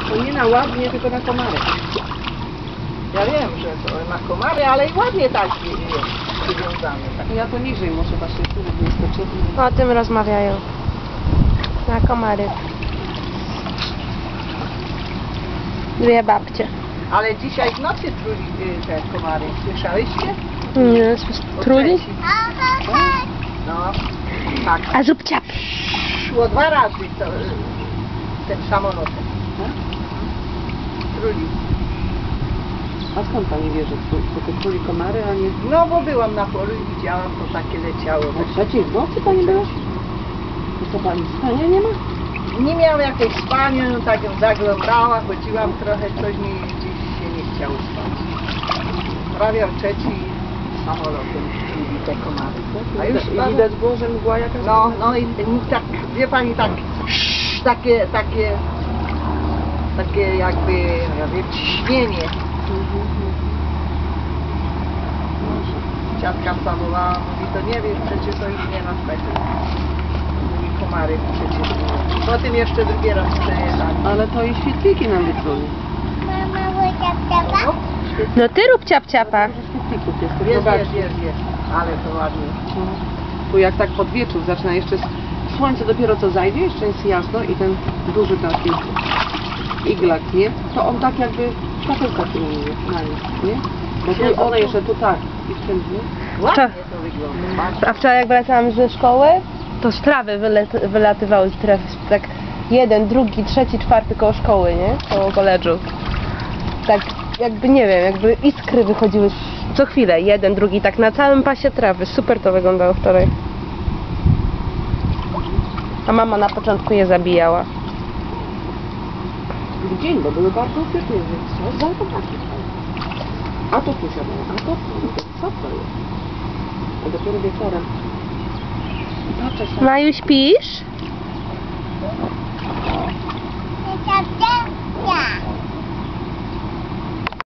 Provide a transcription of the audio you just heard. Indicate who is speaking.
Speaker 1: To nie na ładnie, tylko na komary.
Speaker 2: Ja wiem, że to na komary, ale i ładnie tak jest przywiązane. Tak.
Speaker 1: Ja to niżej muszę właśnie tu nie skoczyć.
Speaker 3: O tym rozmawiają. Na komary. Dwie babcie.
Speaker 2: Ale dzisiaj w nocy truli te komary. Słyszałyście?
Speaker 3: Nie,
Speaker 2: O
Speaker 3: truli?
Speaker 2: trzeciej. No, tak.
Speaker 3: A zrób ciap.
Speaker 2: Szło 2 razy to, ten samolot. Truli.
Speaker 1: A skąd pani wie, że to truli komary, a nie...
Speaker 2: No bo byłam na polu i widziałam, to takie leciało.
Speaker 1: O trzeciej w nocy pani była? I co pani, spania nie ma?
Speaker 2: Nie miałam jakiejś spania, no tak ją zaglądała, chodziłam trochę, coś mi gdzieś się nie chciało spać. Prawie o 3 samolotem truli te komary. A już
Speaker 1: I widać było, że mgła jakaś...
Speaker 2: no i tak, wie pani, tak, takie jakby, ja wiem, ciśnienie. Ciatka wstawowała, mówi, to nie wiesz, przecież to już nie ma tego. Mówi, komary przecież. Potem jeszcze drugi raz przejeżdżali.
Speaker 1: Ale to i świetliki nam wytruli.
Speaker 2: No,
Speaker 3: No ty rób ciap ciapa.
Speaker 1: Dużo świetlików jest.
Speaker 2: jest,
Speaker 1: Zobaczcie.
Speaker 2: jest. Ale to ładnie.
Speaker 1: Tu jak tak pod wieczór zaczyna jeszcze słońce dopiero co zajdzie, jeszcze jest jasno i ten duży taki iglak, nie? To on tak jakby światełka filmuje na nim, nie? Bo tu one jeszcze tu tak i wszędzie.
Speaker 2: Ładnie to wygląda.
Speaker 3: A wczoraj jak wracałam ze szkoły, to z trawy wylatywały z trawy, tak jeden, drugi, trzeci, czwarty koło szkoły, nie? Koło koledżu. Tak jakby, nie wiem, jakby iskry wychodziły co chwilę, jeden, drugi, tak na całym pasie trawy. Super to wyglądało wczoraj. A mama na początku je zabijała.
Speaker 1: W dzień, bo były bardzo upieczne, więc trzeba zobaczyć. A to tu siadało, a to co to jest? A dopiero wieczorem. Patrzę się.
Speaker 3: Maju, śpisz?